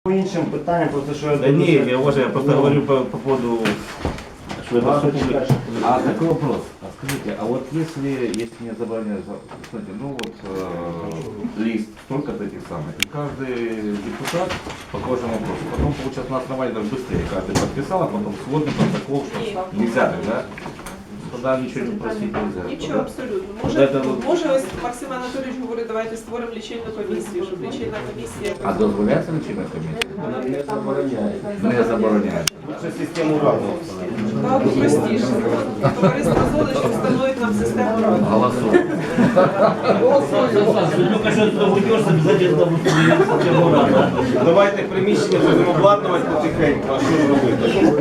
По іншим питанням, просто що я Да не, я просто говорю по поводу, что это все. А такой вопрос. А скажите, а вот если мне забраняют, кстати, ну вот лист столько-то этих самых, и каждый депутат по каждому вопросу, потом получается на основании даже быстрее каждый подписал, а потом сводный протокол, что нельзя так, да? Тогда ничего не просить нельзя. Нічого, абсолютно. Може ось Максим Анатолійович говорить, давайте створимо лічильну комісію, щоб лічильна комісія... А дозволяється лічильна комісія? Не забороняється. Лучше систему разного. Так, простіше. Товариство «Золи», що встановить нам систему ради. Голосуємо. Только что ты уйдешь, обязательно будет систему рада. Давайте приміщення будемо обладнувати потихеньку, а що робити?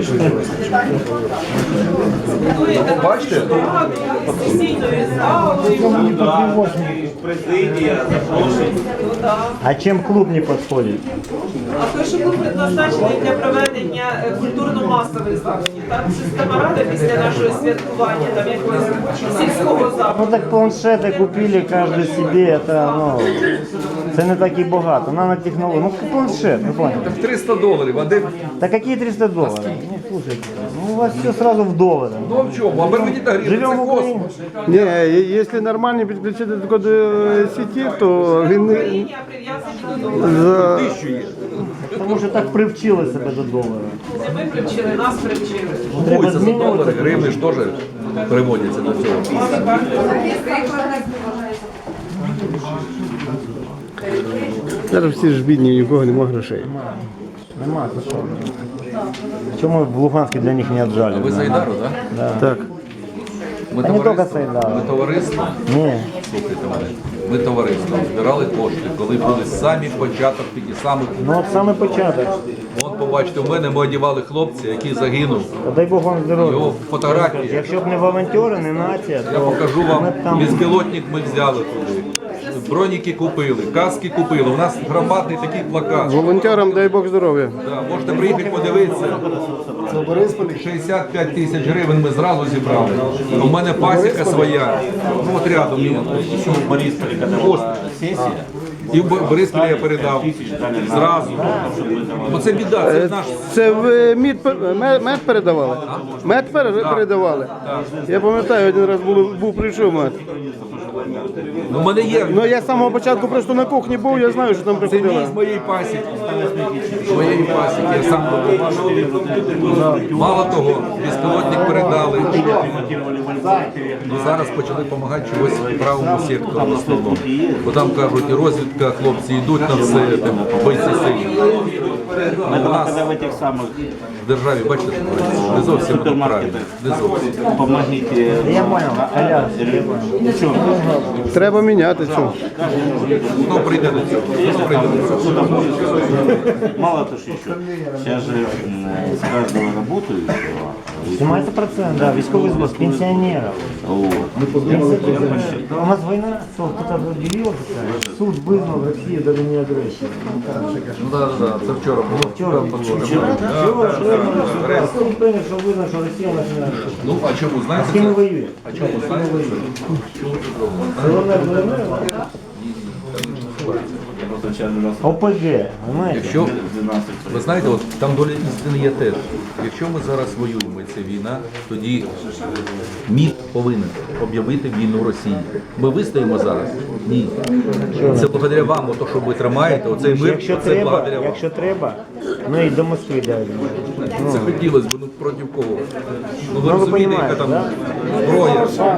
Бачите? Сесійною залою. Ну так, президія, запрошення. Ну так. А чим клуб не підходить? А той, що був предназначений для проведення культурно-масових заходів. Там система ради після нашого святкування, там якогось сільського Ну заходу. так планшети купили кожен собі, це не так і багато. Нанотехнології, ну планшет, ви поняли. $300, а де? Да какие $300? Ну слушайте, ну у вас все сразу в долларах. Ну а в чому? А Бермудіта гривня, Живем це в Україні. космос. Ні, якщо нормально підключити до сеті, то він не- Україні, а прив'язані до долара. за... 1000 є. Тому що так привчили себе до долара. Це ми привчили, нас привчили. Треба Купуються за змінювати. долари, гривні ж теж переводяться до цього. Зараз всі ж бідні, ні у кого немає грошей. Нема, це що? Чому в Луганську для них не отжали? А ви з Айдару, так? Так. Ми Та не товариство, тільки це, да. ми товариство, Ні. слухайте мене, ми товариство збирали кошти, коли були самі початок, тільки самих. Ну от саме початок. От побачите, у мене ми одягали хлопця, який загинув. Та дай Бог вам здоров'я. Його фотографії. Якщо б не волонтери, не нація, Я то покажу вам, ми б там... безпілотник ми взяли туди. Броніки купили, каски купили. У нас громадний такий плакат. Волонтерам дай Бог здоров'я. Да, можете приїхати подивитися. 65 тисяч гривень ми зразу зібрали. У мене пасіка своя. Ну от рядом. Еще в Борисполе, когда была сессия, І в Борисполі я передав. Зразу. Бо це біда, це наш. Це ви мед передавали? Мед передавали? Я пам'ятаю, один раз прийшов мед. Ну, в мене є. Ну я з самого початку просто на кухні був, я знаю, що там Це приходили. мій з моєї пасіки. З моєї пасіки. Я сам. Мало того, безпілотник передали. Ну, зараз почали допомагати чогось правому сектору в основному. Бо там кажуть, і розвідка, хлопці йдуть на все, там, бойці сильні. У нас когда в этих самых в державі, бачите, не зовсім воно правильно. Не зовсім. помогите. Я понял, Коля, я понял. Ничего. Треба міняти цю. Хто прийде до цього? Хто прийде до цього? Мало то, что еще. Сейчас же с каждого работающего. Знімається процент, да, військовий збор, з пенсіонерів. У нас війна, що хтось об'явив, суд визнав Росію до війни агресії. Ну так, це вчора було. Вчора було. Суд прийняв, що визнав, що Росія починає агресію. Ну, а чому, З знаєте? ким це? воює? А чому, знаєте? ОПГ, знаєте? Якщо, ви знаєте, от там доля істини є теж. Якщо ми зараз воюємо, і це війна, тоді МІД повинен об'явити війну Росії. Ми вистоїмо зараз? Ні. Це благодаря вам, ото, що ви тримаєте, оцей мир, це благодаря вам. Якщо треба, ну і до Москви далі. Це хотілося б, ну проти кого? Ну ви ви розумієте, яка там розумієте, зброя.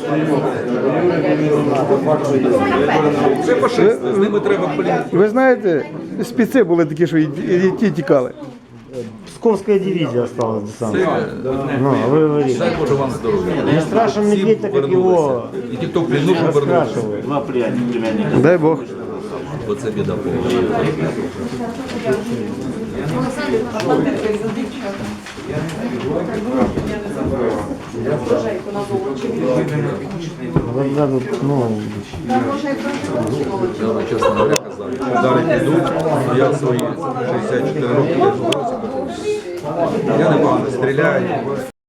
Це фашисти, з ними треба, блін. Ви знаєте, спеці були такі, що і ті тікали. Псковская дивизия осталась десант. Це, Ну, а вы говорите. дай Боже вам здоров'я. Не страшен Всі медведь, так как повернулися. его І ті, хто в плену повернувся. раскрашивают. Два племянника. Дай Бог. Бо це біда повна. Глаза тут, ну, Я вам чесно говоря казав, що удари підуть, а я в свої 64 роки я в році. Я непогано стріляю.